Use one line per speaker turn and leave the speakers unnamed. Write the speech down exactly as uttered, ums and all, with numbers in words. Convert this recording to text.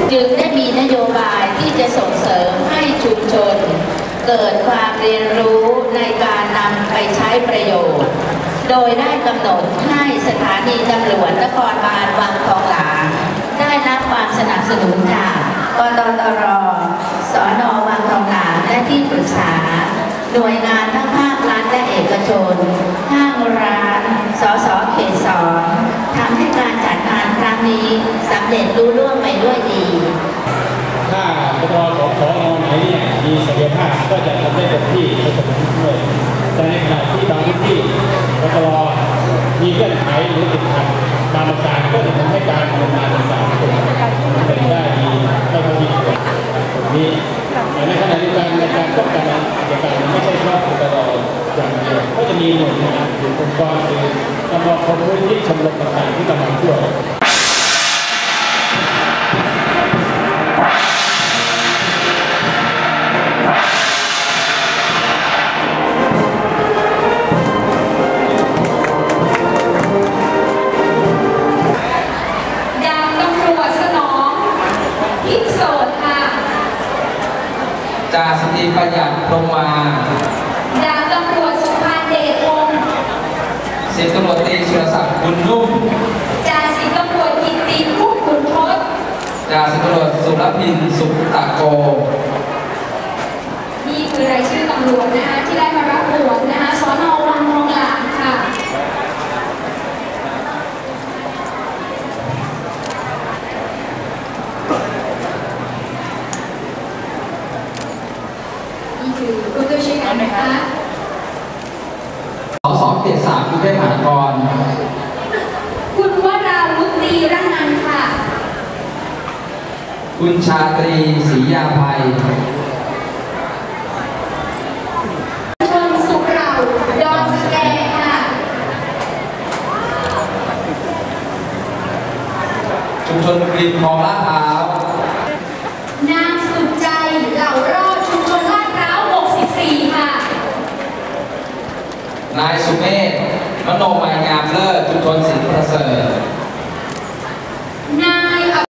จึงได้มีนโยบายที่จะส่งเสริมให้ชุมชนเกิดความเรียนรู้ในการนำไปใช้ประโยชน์โดยได้กำหนดให้สถานีตำรวจนครบาลวังทองหลางได้รับความสนับสนุนจากกตตร.สน.วังทองหลางและที่ปรึกษาหน่วยงานทั้งภาครัฐและเอกชนห้างร้านสส.เขตสองทำให้การจัดงานครั้งนี้สำเร็จรุ่ร่วงไปด้วยดี
ถ้าปตทของสน.ไหนเนี่ยมีศักยภาพก็จะทำได้เต็มที่ในส่วนนี้ด้วยแต่ในขณะที่บางพื้นที่ปตทมีเงื่อนไขหรือติดขัดบางประการก็จะทำให้การดำเนินงานต่างๆเป็นได้ดีไม่พอดีตรงนี้แต่ในขณะเดียวกันในการป้องกันอาชญากรรมไม่ใช่เฉพาะปตทอย่างเดียวก็จะมีหน่วยงานหรือองค์กรหรือกำลังคนพื้นที่ชมรมต่างๆที่กำลังช่วย
จ่าสิบตรีประหยัดพรหมา
ดาบตำรวจสุภาเดชวงศ์
สิบตำรวจตรีสุรศักดิ์บุญนุ่ม
จ่าสิบตำรวจกิตติพุทธขุนทศ
จ่าสิบตำรวจสุรพินสุตะโก
นี่คือรายชื่อตำรวจนะคะที่ได้มารับบวชนะคะสน.วังทองหลางค่ะนี่คือผู้ช่วยช่วยกันนะคะ
สส.เขตสามกรุงเทพมหานคร
คุณวราวุฒิตีระนันท์ค่ะ
คุณชาตรีศรียาภัย
ชนสุขเราดอนสแกค่ะ
ชุมชนริมคลองลาดพร้า
วนางสุดใจเหล่ารอดชุมชนลาดพร้าวหกสิบสี่ค่ะ
นายสุเมธมโนมายงามเลิศชุมชนสินประเสริฐ